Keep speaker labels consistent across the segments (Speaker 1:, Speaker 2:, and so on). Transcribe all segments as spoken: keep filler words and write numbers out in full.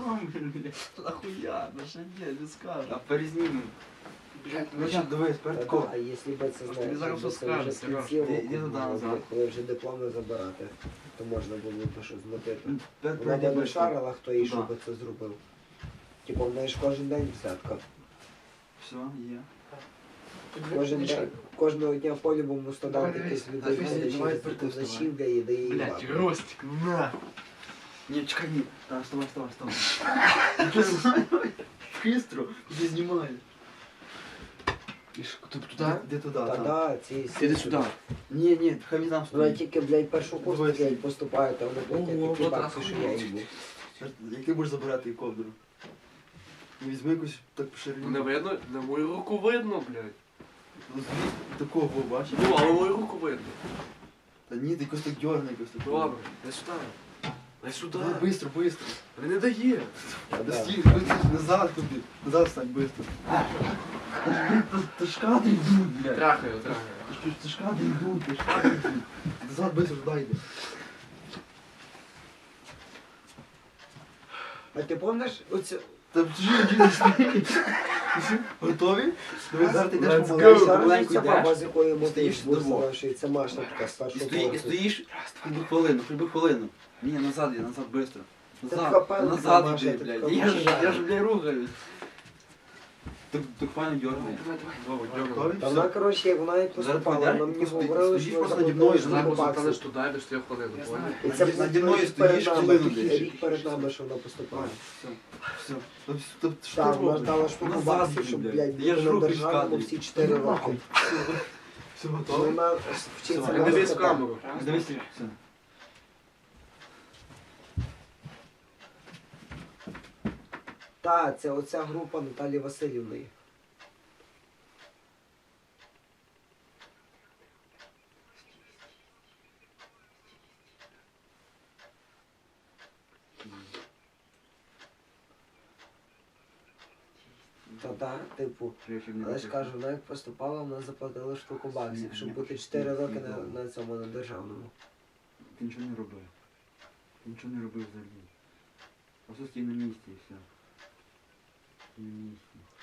Speaker 1: блядь, нахуя, ну що ні, не скажу.
Speaker 2: А перезнімемо.
Speaker 1: Блядь,
Speaker 2: Ну що, дивись, перед кого?
Speaker 3: А якщо б це
Speaker 1: Тобі
Speaker 3: знаєш,
Speaker 1: зараз
Speaker 3: якби
Speaker 1: все
Speaker 3: це вже
Speaker 1: скажуть,
Speaker 3: з
Speaker 1: Сереж.
Speaker 3: кінців
Speaker 2: Іди-
Speaker 3: року
Speaker 2: іди туди
Speaker 3: було,
Speaker 2: назад.
Speaker 3: коли вже дипломи забирати, то можна було б щось змотити.
Speaker 2: Перед
Speaker 3: Вона б не
Speaker 2: перед
Speaker 3: шарила, хто їй що
Speaker 2: Туди.
Speaker 3: би це зробив. Типу, в неї ж кожен день взятка.
Speaker 2: Все, є.
Speaker 3: Кожен день, кожного дня по-любому студент
Speaker 1: Давай,
Speaker 3: якийсь
Speaker 1: давай,
Speaker 3: людей
Speaker 1: давай,
Speaker 3: ходить,
Speaker 2: давай,
Speaker 3: через
Speaker 2: давай,
Speaker 3: таку
Speaker 2: давай.
Speaker 3: зачівгає і дає їй
Speaker 1: Блядь,
Speaker 3: лапу.
Speaker 1: Ростик, на!
Speaker 2: Ні, чекай, ні. Так, вставай, вставай, вставай. Бистро, іди знімай.
Speaker 1: І що, ти туди?
Speaker 2: Іди туди,
Speaker 3: Та
Speaker 2: там.
Speaker 3: да, ці...
Speaker 1: Ти йди сюди.
Speaker 2: Ні, ні, хай він там
Speaker 3: Вона
Speaker 2: стоїть.
Speaker 3: тільки, блядь, першу курсу,
Speaker 2: Дивись.
Speaker 3: блядь, поступають, а вони платять
Speaker 1: Ого,
Speaker 3: такі
Speaker 1: от
Speaker 3: бабки, що я
Speaker 1: охуєть.
Speaker 3: їбу.
Speaker 2: Як ти будеш забирати її ковдру? Ну, візьми якусь так по ширині.
Speaker 1: Не видно? На мою руку видно, блядь.
Speaker 2: Ну, звідси такого, бачиш?
Speaker 1: Ну, але мою руку видно.
Speaker 2: Та ні, ти якось так дьорни, якось так.
Speaker 1: Добре, дай сюди. Дай сюди.
Speaker 2: Давай, бистро, бистро.
Speaker 1: Він не дає.
Speaker 3: Та
Speaker 2: Да
Speaker 3: да.
Speaker 2: стій, быстро, назад тобі. Назад встань, быстро. Та ж кадри йдуть, блядь.
Speaker 1: Трахаю, трахаю.
Speaker 2: Ти ж- Ти ж кадри йдуть, ти ж кадри йдуть. Назад, быстро, туди йди.
Speaker 3: А ти пам'ятаєш оце...
Speaker 2: Та чужі не стоїть. Готові? Давай зараз ти йдеш
Speaker 1: Let's
Speaker 2: помаленьку,
Speaker 1: go.
Speaker 3: Зараз
Speaker 2: помаленьку
Speaker 3: ця баба,
Speaker 2: йдеш.
Speaker 3: з якої ми
Speaker 2: Стоїш
Speaker 3: тут
Speaker 2: вдвох.
Speaker 3: бурсила, що і це Маша така з
Speaker 2: І
Speaker 3: першого
Speaker 2: стоїш, і
Speaker 3: поверху.
Speaker 2: стоїш, хоч би хвилину, хоч би хвилину. Ні, назад, я назад, быстро.
Speaker 3: Ти
Speaker 2: Назад,
Speaker 3: капель
Speaker 2: назад
Speaker 3: Маша,
Speaker 2: іди,
Speaker 3: ти
Speaker 2: блядь.
Speaker 3: капель.
Speaker 2: Я ж, я ж, блядь, рухаюсь. Так, так файно дьоргай.
Speaker 1: Давай, давай.
Speaker 2: Вова,
Speaker 1: Готові?
Speaker 2: дьоргай.
Speaker 3: Та вона, коротше, вона як поступала,
Speaker 2: Зараз
Speaker 3: вона мені
Speaker 2: ти стоїш,
Speaker 3: говорила,
Speaker 2: стоїш
Speaker 3: що
Speaker 2: просто
Speaker 3: вона
Speaker 2: наді мною,
Speaker 3: заплатила
Speaker 1: Зараз
Speaker 3: сто
Speaker 1: поставиш
Speaker 3: баксів.
Speaker 1: туди, без тих хвилин.
Speaker 2: Я
Speaker 1: понял?
Speaker 2: знаю.
Speaker 3: І це
Speaker 2: Наді-
Speaker 3: буде
Speaker 2: наді мною
Speaker 3: перед
Speaker 2: стоїш,
Speaker 3: нами,
Speaker 2: хвилину
Speaker 3: рік-
Speaker 2: десь.
Speaker 3: рік перед нами, що вона поступала.
Speaker 2: Все, все. Та вс- та що
Speaker 3: Так,
Speaker 2: ти
Speaker 3: вона
Speaker 2: робиш?
Speaker 3: дала штуку
Speaker 2: Назад
Speaker 3: баксів,
Speaker 2: йди,
Speaker 3: щоб,
Speaker 2: блядь.
Speaker 3: блядь,
Speaker 2: Я
Speaker 3: бути
Speaker 2: ж
Speaker 3: на
Speaker 2: руки
Speaker 3: державному
Speaker 2: складую.
Speaker 3: всі чотири
Speaker 2: Ну,
Speaker 3: роки.
Speaker 2: нахуй. Все готово?
Speaker 3: Вона вчиться
Speaker 2: Все,
Speaker 1: Не
Speaker 3: на
Speaker 1: дивись в
Speaker 3: висота.
Speaker 1: камеру.
Speaker 2: Дивись, все.
Speaker 3: Та, це оця група Наталі Васильівної. Та да, типу, але ж кажу, вона як поступала, вона заплатила штуку баксів, щоб бути чотири роки на, на цьому, на державному.
Speaker 2: Ти нічого не робив. Ти нічого не робив взагалі. Просто стій на місці і все. Стій на місці.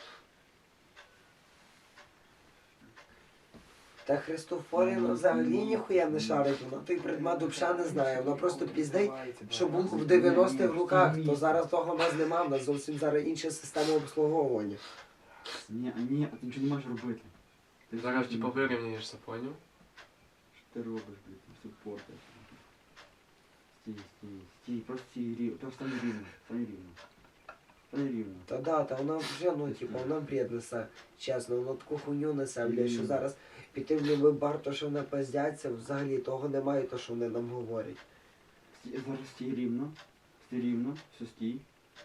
Speaker 3: Та Христофорівна взагалі ніхуя не шарить, вона той предмет взагалі не знає, вона просто піздить, що був в дев'яностих роках, то зараз того в нас нема, в нас зовсім зараз інша система обслуговування.
Speaker 2: Ні, а ні, а ти нічого не можеш робити. Ти
Speaker 1: Зараз
Speaker 2: все
Speaker 1: типа вирівняєшся, поняв?
Speaker 2: Що ти робиш, блядь, ти все портиш. Стій, стій, стій, просто стій рівно, просто стань рівно, стань рівно. Стань рівно.
Speaker 3: Та да, та вона вже, ну, типу, вона бред несе, чесно, вона таку хуйню несе, блядь, що зараз піти в любий бар, то що вона пиздяться, взагалі того немає, то що вони нам говорять.
Speaker 2: Стій, зараз стій рівно, стій рівно, все стій.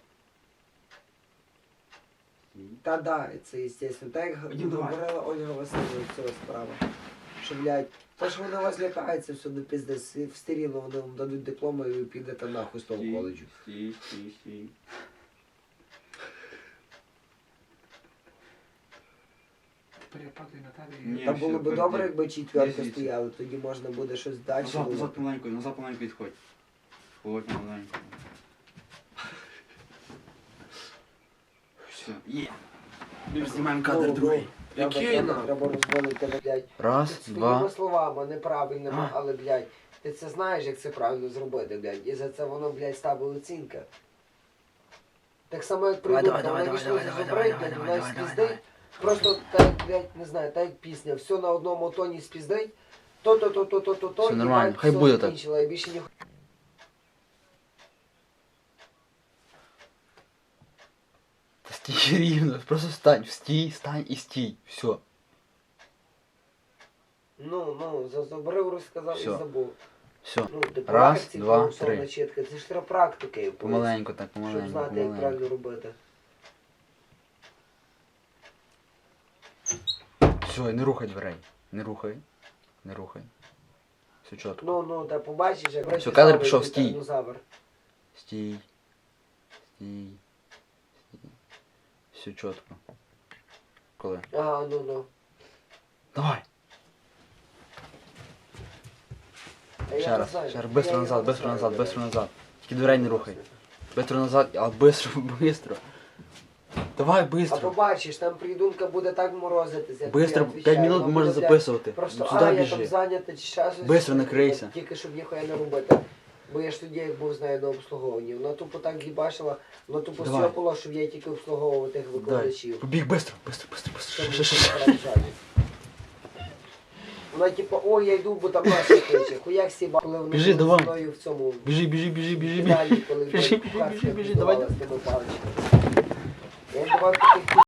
Speaker 2: Стій.
Speaker 3: Та да, це естественно. Так як
Speaker 2: Ні, давай.
Speaker 3: говорила Ольга Васильівна з цього справа. Що, блядь, то що вона вас лякається, все до пізди, все рівно вони вам дадуть дипломи і ви підете нахуй з того
Speaker 2: Стій,
Speaker 3: коледжу.
Speaker 2: Стій, стій, стій.
Speaker 1: Тепер я падаю на тебе
Speaker 2: Ні.
Speaker 3: Та
Speaker 2: все,
Speaker 3: було б
Speaker 2: перейди.
Speaker 3: добре, якби четверка
Speaker 2: Звідси.
Speaker 3: стояла, тоді можна буде щось далі.
Speaker 2: Назад, назад
Speaker 3: думати.
Speaker 2: помаленьку, назад помаленьку відходь. Ходь помаленьку. Все, є. Ми ж знімаємо
Speaker 3: Ну,
Speaker 2: кадр
Speaker 3: ну,
Speaker 2: другий.
Speaker 3: Треба,
Speaker 1: Який
Speaker 3: треба,
Speaker 1: нам?
Speaker 3: треба розвалити, блядь.
Speaker 2: Раз,
Speaker 3: Своїми словами, неправильними,
Speaker 2: А.
Speaker 3: але, блядь, ти це знаєш, як це правильно зробити, блядь. І за це воно, блядь, ставить оцінка. Так само, як
Speaker 2: Давай,
Speaker 3: придумка,
Speaker 2: давай,
Speaker 3: вона
Speaker 2: давай,
Speaker 3: вийшла
Speaker 2: давай,
Speaker 3: зі
Speaker 2: давай,
Speaker 3: зубрить,
Speaker 2: давай,
Speaker 3: блядь,
Speaker 2: давай,
Speaker 3: вона
Speaker 2: давай,
Speaker 3: спіздить.
Speaker 2: давай.
Speaker 3: Просто так, блядь, не знаю, так як пісня, все на одному тоні спіздить, то-то, то-то, то-то, то,
Speaker 2: Все
Speaker 3: і,
Speaker 2: нормально,
Speaker 3: блядь,
Speaker 2: хай
Speaker 3: все
Speaker 2: буде так.
Speaker 3: закінчила, і більше ніхуя.
Speaker 2: Стій рівно, просто стань, стій, стань і стій. Все.
Speaker 3: Ну, ну, зазубрив, розказав і
Speaker 2: Все.
Speaker 3: забув.
Speaker 2: Все.
Speaker 3: Ну, ти
Speaker 2: Раз,
Speaker 3: практиці
Speaker 2: два,
Speaker 3: голосовна
Speaker 2: три.
Speaker 3: чітка, це ж треба практики, якоїсь,
Speaker 2: Помаленьку так,
Speaker 3: щоб
Speaker 2: помаленьку,
Speaker 3: знати, як
Speaker 2: помаленьку.
Speaker 3: правильно робити.
Speaker 2: Все, не рухай дверей. Не рухай. Не рухай. Все чітко.
Speaker 3: Ну, ну, та побачиш, як
Speaker 2: Все, кадр пішов, стій.
Speaker 3: Динозавр.
Speaker 2: Стій. Стій. Стій. Все чітко. Коли?
Speaker 3: Ага, ну, ну.
Speaker 2: Давай.
Speaker 3: А я
Speaker 2: Ще
Speaker 3: не
Speaker 2: раз,
Speaker 3: знаю,
Speaker 2: ще раз,
Speaker 3: я
Speaker 2: быстро
Speaker 3: його
Speaker 2: назад,
Speaker 3: не
Speaker 2: быстро
Speaker 3: знаю,
Speaker 2: назад,
Speaker 3: блядь.
Speaker 2: быстро назад. Тільки дверей не рухай. Быстро назад, а быстро, быстро. Давай,
Speaker 3: А
Speaker 2: быстро.
Speaker 3: побачиш, там придумка буде так морозитися. я
Speaker 2: Быстро,
Speaker 3: тобі
Speaker 2: п'ять
Speaker 3: відвічаю,
Speaker 2: минут
Speaker 3: вона
Speaker 2: можна
Speaker 3: буде, блядь,
Speaker 2: записувати.
Speaker 3: Просто,
Speaker 2: Сюди
Speaker 3: а, я там
Speaker 2: біжи.
Speaker 3: зайнятий чи ще щось.
Speaker 2: Бистро накрийся.
Speaker 3: Тільки щоб ніхуя не робити. Бо я ж тоді як був з нею на обслуговуванні. Вона тупо так їбашила, вона тупо
Speaker 2: Давай.
Speaker 3: сьопала, щоб я тільки обслуговував тих
Speaker 2: Дай.
Speaker 3: викладачів.
Speaker 2: Побіг, быстро, быстро, быстро,
Speaker 3: Це
Speaker 2: быстро.
Speaker 3: мені
Speaker 2: Ще, ще, ще.
Speaker 3: переражає. Вона типу, о, я йду, бо там Маша кличе. Хуяк сіба, коли вони
Speaker 2: Біжи,
Speaker 3: були
Speaker 2: давай.
Speaker 3: зі мною в цьому
Speaker 2: Біжи, біжи, біжи, біжи, біжи.
Speaker 3: кидалі, коли
Speaker 2: Біжи,
Speaker 3: блядь,
Speaker 2: біжи,
Speaker 3: кухарська
Speaker 2: біжи, біжи, давай.
Speaker 3: відбувала з тими паличками. Я їм давав таких